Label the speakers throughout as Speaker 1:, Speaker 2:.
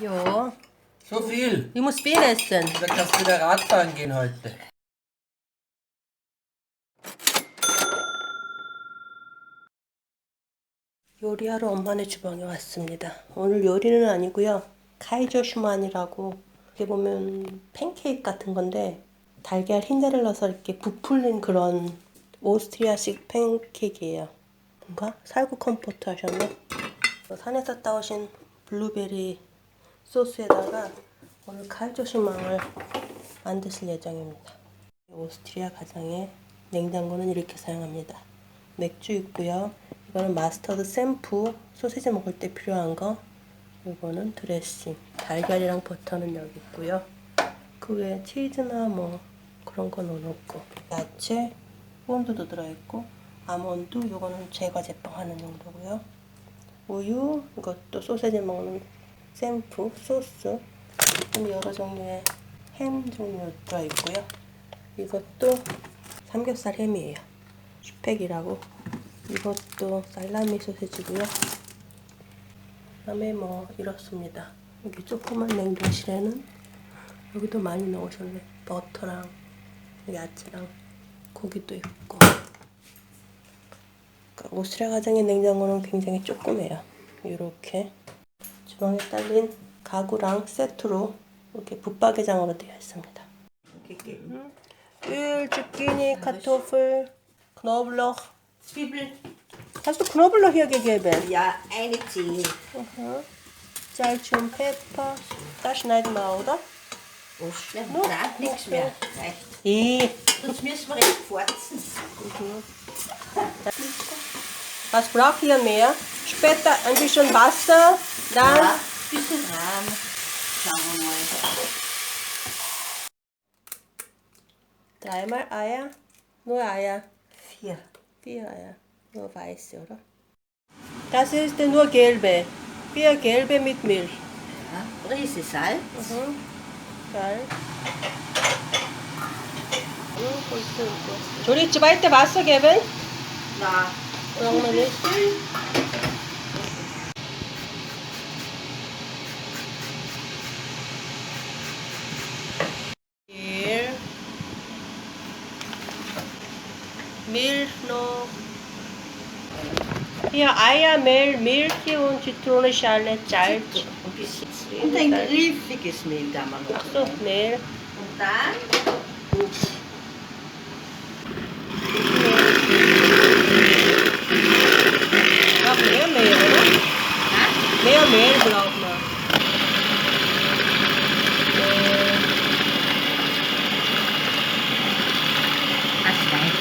Speaker 1: Jo.
Speaker 2: So viel.
Speaker 1: Ich muss viel essen.
Speaker 2: Da kannst du wieder Radfahren gehen heute.
Speaker 1: 요리하러 엄마네 주방에 왔습니다. 오늘 요리는 아니고요. 카이저 슈만이라고 이렇게 보면 팬케이크 같은 건데 달걀 흰자를 넣어서 이렇게 부풀린 그런 오스트리아식 팬케이크예요. 뭔가 살구 컴포트 하셨네. 산에서 따오신 블루베리 소스에다가 오늘 카이저 슈만을 만드실 예정입니다. 오스트리아 가정의 냉장고는 이렇게 사용합니다. 맥주 있고요. 이거는 마스터드 샘프, 소시지 먹을 때 필요한 거. 이거는 드레싱, 달걀이랑 버터는 여기 있고요. 그 외에 치즈나 뭐 그런 거 넣어놓고 야채, 본드도 들어있고 아몬드, 이거는 제과 제빵하는 용도고요. 우유, 이것도 소시지 먹는 샘프, 소스, 여러 종류의 햄 종류 들어있고요. 이것도 삼겹살 햄이에요. 슈팩이라고. 이것도 살라미 소세지고요. 그다음에 뭐 이렇습니다. 여기 조그만 냉동실에는 여기도 많이 넣으셨네. 버터랑 야채랑 고기도 있고. 그러니까 오스트리아 가정의 냉장고는 굉장히 조그매요. 이렇게 주방에 딸린 가구랑 세트로 이렇게 붙박이장으로 되어 있습니다. Öl, Zucchini, Kartoffel, Knoblauch.
Speaker 3: Zwiebel,
Speaker 1: Hast du Knoblauch hier gegeben?
Speaker 3: ja, eine Zehe.
Speaker 1: Salz und Pfeffer. Das schneiden wir, oder?
Speaker 3: Aufschneiden?
Speaker 1: No,
Speaker 3: Nein, nichts
Speaker 1: okay.
Speaker 3: mehr. Reicht. Sonst müssen wir echt forzen.
Speaker 1: Was braucht ihr mehr? Später ein bisschen Wasser, dann
Speaker 3: Ja, bisschen Rahm. Schauen wir mal.
Speaker 1: dreimal Eier. Nur Eier.
Speaker 3: 4.
Speaker 1: 4 Eier. Nur weiße, oder? Das ist nur gelbe. 4 gelbe mit Milch.
Speaker 3: Ja, Prise Salz.
Speaker 1: Salz. Soll ich zweite Wasser geben?
Speaker 3: Nein.
Speaker 1: Brauchen wir nicht. Mehl. Milch noch. Hier Eier, Mehl, Milch und Zitronenschale, Salz.
Speaker 3: Ein bisschen. Und ein griffiges Mehl da mal noch.
Speaker 1: So, Mehl.
Speaker 3: Und dann
Speaker 1: Noch mehr Mehl, oder? Mehr Mehl braucht man.
Speaker 3: Aswein.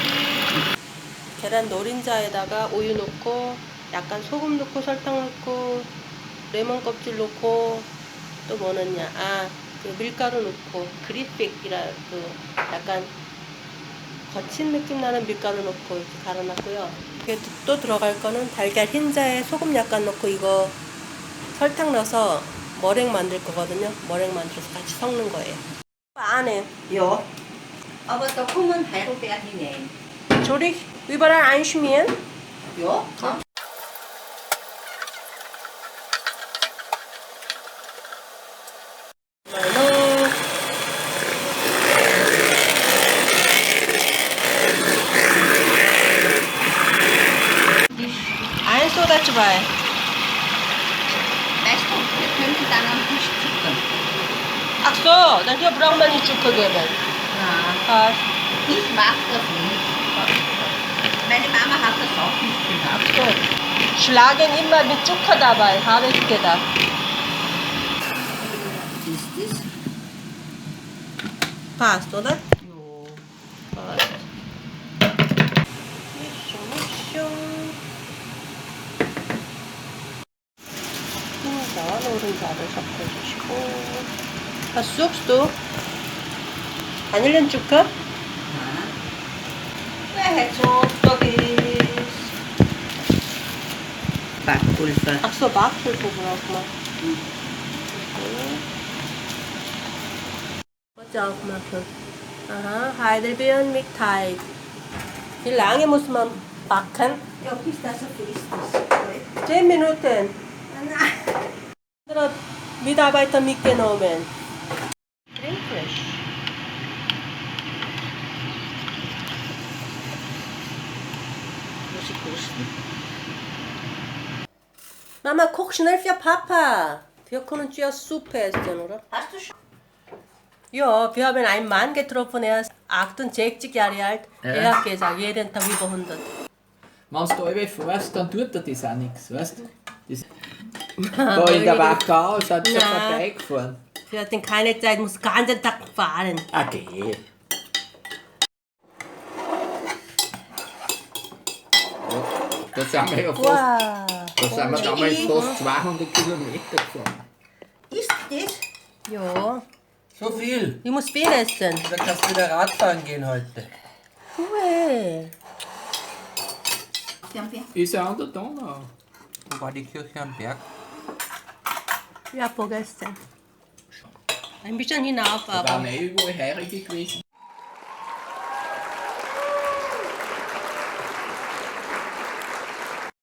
Speaker 1: 계란 노른자에다가 우유 넣고 약간 소금 넣고 설탕 넣고 레몬 껍질 넣고 또 뭐 넣냐? 그 밀가루 넣고 그리픽이라 그 약간 거친 느낌 나는 밀가루 넣고 이렇게 갈아놨고요. 이게 또 들어갈 거는 달걀 흰자에 소금 약간 넣고 이거 설탕 넣어서 머랭 만들 거거든요. 머랭 만들어서 같이 섞는 거예요. 안에
Speaker 3: Ja. Aber da kommen Heidelbeeren hinein.
Speaker 1: Soll ich überall einschmieren?
Speaker 3: Ja, kann.
Speaker 1: Eins oder zwei?
Speaker 3: Weißt du, wir könnten dann am Tisch zuckern.
Speaker 1: Ach so, dann hier braucht man nicht Zucker geben.
Speaker 3: Nein, ich mag das nicht. Meine Mama hat das auch nicht gemacht.
Speaker 1: So. Schlagen immer mit Zucker dabei, habe ich gedacht.
Speaker 3: Ist das?
Speaker 1: Passt, oder?
Speaker 3: Ja.
Speaker 1: Passt. Mischung, Mischung. 흰자, 노른자를 섞어주시고. Was suchst du? 바닐렌zucker?
Speaker 3: Nein. Wer halt so da ist. Backpulver.
Speaker 1: Ach so, Backpulver braucht man. Was aufmachen? Aha, Heidelbeeren mit Teig. Wie lange muss man backen?
Speaker 3: Ja, bis das so fest ist.
Speaker 1: 10 Minuten.
Speaker 3: Nein.
Speaker 1: Mitarbeiter mitgenommen. Creme fraiche.
Speaker 3: Muss ich kosten?
Speaker 1: Mama, koch schnell für Papa. Wir können zuerst Suppe essen, oder?
Speaker 3: Hast du schon?
Speaker 1: Ja, wir haben einen Mann getroffen, er ist 68 Jahre alt.
Speaker 4: Ja.
Speaker 1: Er hat gesagt, jeden Tag über 100.
Speaker 4: Wenn du alle fährst, dann tut dir das auch nichts, weißt du? Das da in der Wachau sind sie
Speaker 1: Nein.
Speaker 4: vorbeigefahren.
Speaker 1: Wir hatten keine Zeit, muss den ganzen Tag fahren.
Speaker 4: Okay. Da sind wir ja fast,
Speaker 1: Wow.
Speaker 4: da sind wir damals fast 200 Kilometer gefahren.
Speaker 3: Ist das?
Speaker 1: Ja,
Speaker 2: So viel.
Speaker 1: ich muss viel essen.
Speaker 2: Da kannst du wieder Radfahren gehen heute.
Speaker 1: Cool.
Speaker 4: Ist ja an der Donau.
Speaker 2: Wo war die Kirche am Berg?
Speaker 1: Ja, vergessen. Ein bisschen hinauf,
Speaker 4: Da
Speaker 1: aber.
Speaker 4: waren überall Heurige gewesen.